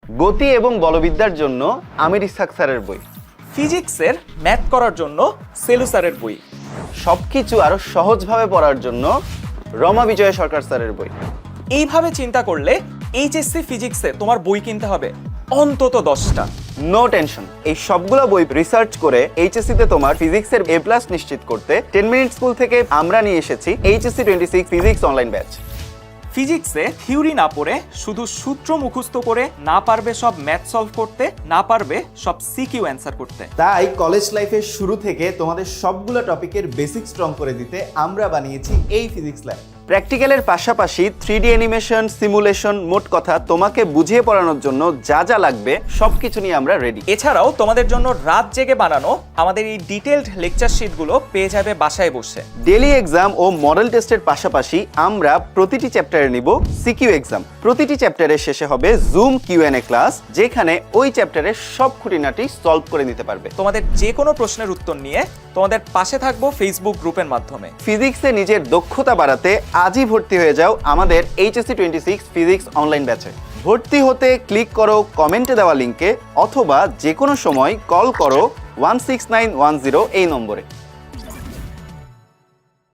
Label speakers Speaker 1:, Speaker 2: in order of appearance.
Speaker 1: গতি এবং বলবিদ্যার জন্য আমির ইসহাক স্যারের বই।
Speaker 2: ফিজিক্সের ম্যাথ করার জন্য সেলু স্যারের বই।
Speaker 1: সবকিছু আরো সহজভাবে পড়ার জন্য রমা বিজয় সরকার স্যারের বই।
Speaker 2: এইভাবে চিন্তা করলে এইচএসসি ফিজিক্সে তোমার বই কিনতে হবে অন্তত 10টা।
Speaker 1: নো টেনশন, এই সবগুলো বই রিসার্চ করে এইচএসসি তে তোমার ফিজিক্সের A+ নিশ্চিত করতে 10 মিনিট স্কুল থেকে আমরা নিয়ে এসেছি HSC 26 ফিজিক্স অনলাইন ব্যাচ।
Speaker 2: ফিজিক্সে থিওরি না পড়ে শুধু সূত্র মুখস্থ করে না পারবে সব ম্যাথ সলভ করতে, না পারবে সব সিকিউ অ্যান্সার করতে।
Speaker 3: তাই কলেজ লাইফের শুরু থেকে তোমাদের সবগুলো টপিকের বেসিক স্ট্রং করে দিতে আমরা বানিয়েছি এই ফিজিক্স ল্যাব।
Speaker 1: প্র্যাকটিক্যালের পাশাপাশি 3D অ্যানিমেশন, সিমুলেশন, মোট কথা তোমাকে বুঝিয়ে পড়ানোর জন্য যা যা লাগবে সবকিছু নিয়ে আমরা রেডি।
Speaker 2: এছাড়াও তোমাদের জন্য রাত জেগে বানানো আমাদের এই ডিটেইলড লেকচার শিটগুলো পেয়ে যাবে বাসায় বসে।
Speaker 1: ডেইলি এক্সাম ও মডেল টেস্টের পাশাপাশি আমরা প্রতিটি চ্যাপ্টারে নিব সিকিউ এক্সাম। প্রতিটি চ্যাপ্টারের শেষে হবে জুম Q&A ক্লাস, যেখানে ওই চ্যাপ্টারের সব খুঁটিনাটি সলভ করে নিতে পারবে।
Speaker 2: তোমাদের যে কোনো প্রশ্নের উত্তর নিয়ে তোমাদের পাশে থাকবো ফেসবুক গ্রুপের মাধ্যমে।
Speaker 1: ফিজিক্সে নিজের দক্ষতা বাড়াতে আজই ভর্তি হয়ে যাও আমাদের HSC 26 ফিজিক্স অনলাইন ব্যাচে। ভর্তি হতে ক্লিক করো কমেন্টে দেওয়া লিঙ্কে, অথবা যে কোনো সময় কল করো 16910 এই নম্বরে।